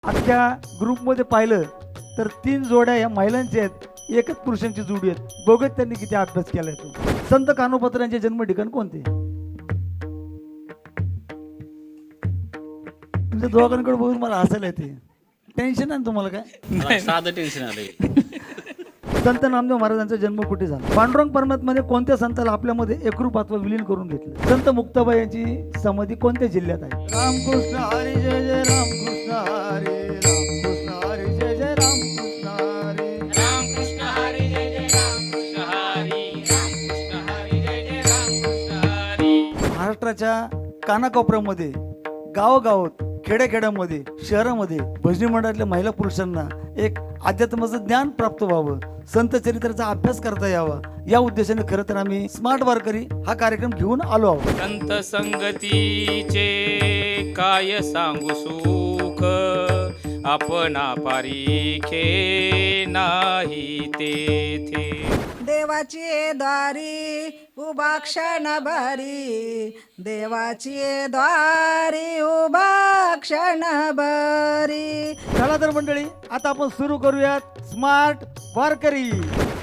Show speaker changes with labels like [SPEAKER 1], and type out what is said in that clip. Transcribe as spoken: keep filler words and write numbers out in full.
[SPEAKER 1] अख्ख्या ग्रुपमध्ये पाहिलं तर तीन जोड्या या महिलांच्या आहेत, एकच पुरुषांची जोडी आहेत. बघत त्यांनी किती अभ्यास केलाय तो. संत कानोपत्र यांचे जन्म ठिकाण कोणते? तुमच्या दोघांकडे बघून मला हसायला येते. टेन्शन आहे ना तुम्हाला काय?
[SPEAKER 2] साधं टेन्शन आलंय.
[SPEAKER 1] संत नामदेव महाराजांचा जन्म कुठे झाला? पांडुरंग पर्वतमध्ये कोणत्या संताला आपल्यामध्ये एकरूपात्व विलीन करून घेतलं? संत मुक्ताबाई यांची समाधी कोणत्या जिल्ह्यात आहे? रामकृष्ण हरी जय जय रामकृष्ण हरी रामकृष्ण हरी जय जय रामकृष्ण हरी
[SPEAKER 2] रामकृष्ण हरी जय जय रामकृष्ण हरी रामकृष्ण हरी जय जय रामकृष्ण हरी.
[SPEAKER 1] महाराष्ट्राच्या कानाकोपऱ्यामध्ये, गावोगावात, खेड्याखेड्यामध्ये, शहरामध्ये भजनी मंडळातल्या महिला पुरुषांना एक अध्यात्माचं ज्ञान प्राप्त व्हावं, संत चरित्राचा अभ्यास करता यावा, या उद्देशाने खरं तर आम्ही स्मार्ट वारकरी हा कार्यक्रम घेऊन आलो आहोत.
[SPEAKER 2] संत संगतीचे काय सांगू सुख, आपणा पारिखे नाही तेथे.
[SPEAKER 3] देवाची द्वारी उभा क्षण भरी, देवाची द्वारी उभा क्षण भरी.
[SPEAKER 1] चला तर मंडळी, आता आपण सुरू करूयात स्मार्ट वारकरी.